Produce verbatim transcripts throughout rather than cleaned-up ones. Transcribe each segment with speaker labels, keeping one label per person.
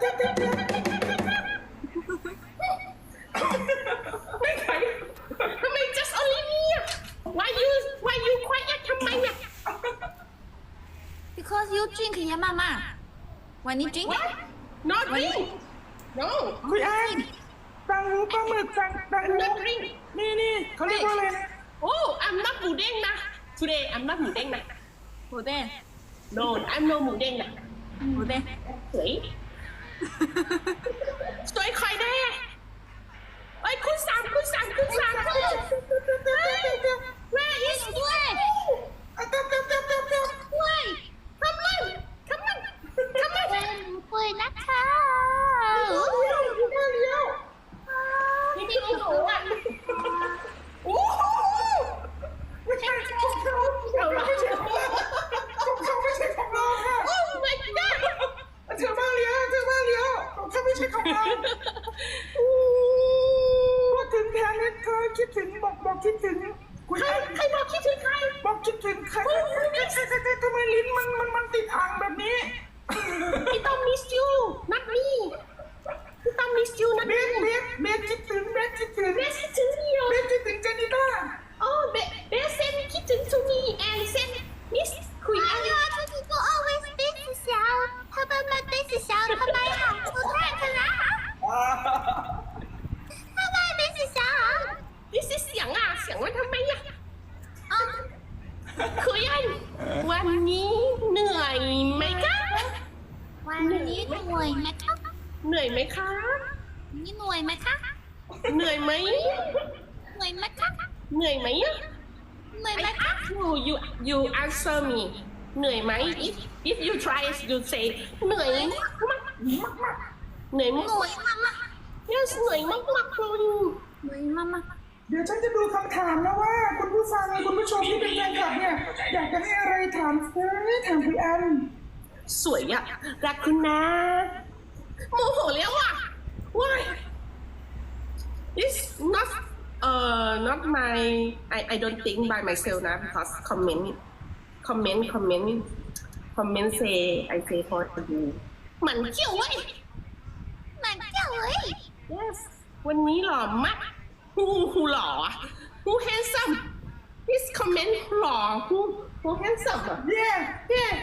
Speaker 1: ไม่ใครทำไม just only me อ่ะ why you why you quiet ทำไมอ่ะ
Speaker 2: because you drink 呀妈妈 when you drink
Speaker 1: what not drink no
Speaker 3: คุยไอ้ตังหูปลาหมึกตังตังหู
Speaker 1: not drink
Speaker 3: นี่นี่เขาเรียกว่าอะไรนะ
Speaker 1: oh I'm not หมูเด้งนะ today I'm not หมูเด้งนะ
Speaker 2: หมูเด้ง
Speaker 1: no I'm no หมูเด้งนะ
Speaker 2: หมูเด้ง
Speaker 1: สวยสวยใครแน่ไอ้ยคุณสามคุณสามคุณสามคุณ where is
Speaker 2: กล้วย
Speaker 3: อ่ะตับตับตับตับตับ
Speaker 2: กล้วย
Speaker 1: come on come on come on
Speaker 2: เป็นกล้วยนะคะ
Speaker 1: เลี้ยวเลี้ยวเลี้ยวนี่พี่โอ้โหอ่ะโอ้โห
Speaker 3: ไม่ใช่ของเขา
Speaker 1: เอาละ
Speaker 3: ไม่ใช่ของเราของเขาไม่ใช่ของเราค่ะ
Speaker 1: โอ้ my god
Speaker 3: เธอมาเลี้ยวเธอมาเลี้ยวของเขาไม่ใช่ของเราพูดถึงแทนเนี่ยเธอคิดถึงบอกบอกคิดถึงคุย
Speaker 1: ใคร
Speaker 3: ไอ้
Speaker 1: ใครบอกคิดถึงใคร
Speaker 3: บอกคิดถึงใครใครใครใครใครใครทำไมลิ้นมันมันมันติดอ่างแบบนี้
Speaker 1: พี่ต้อง miss you not me พี่ต้อง miss you not
Speaker 3: เบ
Speaker 1: me
Speaker 3: สเบสเบสคิดถึงเบสคิดถึง
Speaker 1: เบสคิดถึงพี่เหรอ
Speaker 3: เบสคิดถึงเจนิต้า
Speaker 1: oh เบสเบส send คิดถึง to me and send miss คุย
Speaker 2: 哎
Speaker 1: อะไร
Speaker 2: 呀，这几个 always 杯子小，他们们杯子小，他们好出太可啦，他们杯子小。
Speaker 1: นี่เสียงอ่ะเสียงว่าทำไมอ่ะอ๋อคุยอันวันนี้เหนื่อยไหมคะ
Speaker 2: วันนี้หน่วยไหมคะ
Speaker 1: เหนื่อยไหมคะ
Speaker 2: นี่หน่วยไหมคะ
Speaker 1: เหนื่อยไหม
Speaker 2: หน่วยไหมคะ
Speaker 1: เหนื่อยไหมอ่ะ
Speaker 2: หน่วย
Speaker 1: I
Speaker 2: ไหมคะ
Speaker 1: ask you you you answer me เหนื่อยไหม if if you try you say เหนื่อยมากมากมากเหนื่อย
Speaker 2: ห
Speaker 1: มาก
Speaker 2: น่วยมามา
Speaker 1: yes เหนื่อยมากมากเลย
Speaker 2: หน่วยมามา
Speaker 3: เดี๋ยวฉันจะดูคำถามนะว่าคุณผู้ฟังคุณผู้ชมที่เป็นแฟนคลับเนี่ยอยากจะให้อะไรถามเฟ้ยถามพี่อัน
Speaker 1: สวยอ่ะรักคุณนะโมโหแล้วอ่ะ why it's not uh not my I I don't think by myself นะ because comment comment comment comment say I say for you มันเกี่ยวเว้ย
Speaker 2: หมันเจ้าเอ้ย
Speaker 1: yes วันนี้หล่อมาก who who หล่ออะ who handsome this comment หล่อ who who handsome อ่ะ
Speaker 3: เย่
Speaker 1: yeah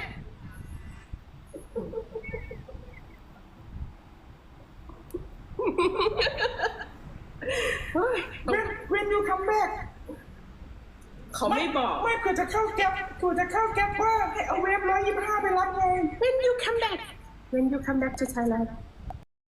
Speaker 3: when when you come back
Speaker 1: เขาไม่บอก
Speaker 3: ไม่เผื่อจะเข้าแก๊ปเผื่อจะเข้าแก๊ปว่าให้เอาเวฟร้อยยี่สิบห้าไปรับไง
Speaker 1: when you come back when you come back to Thailand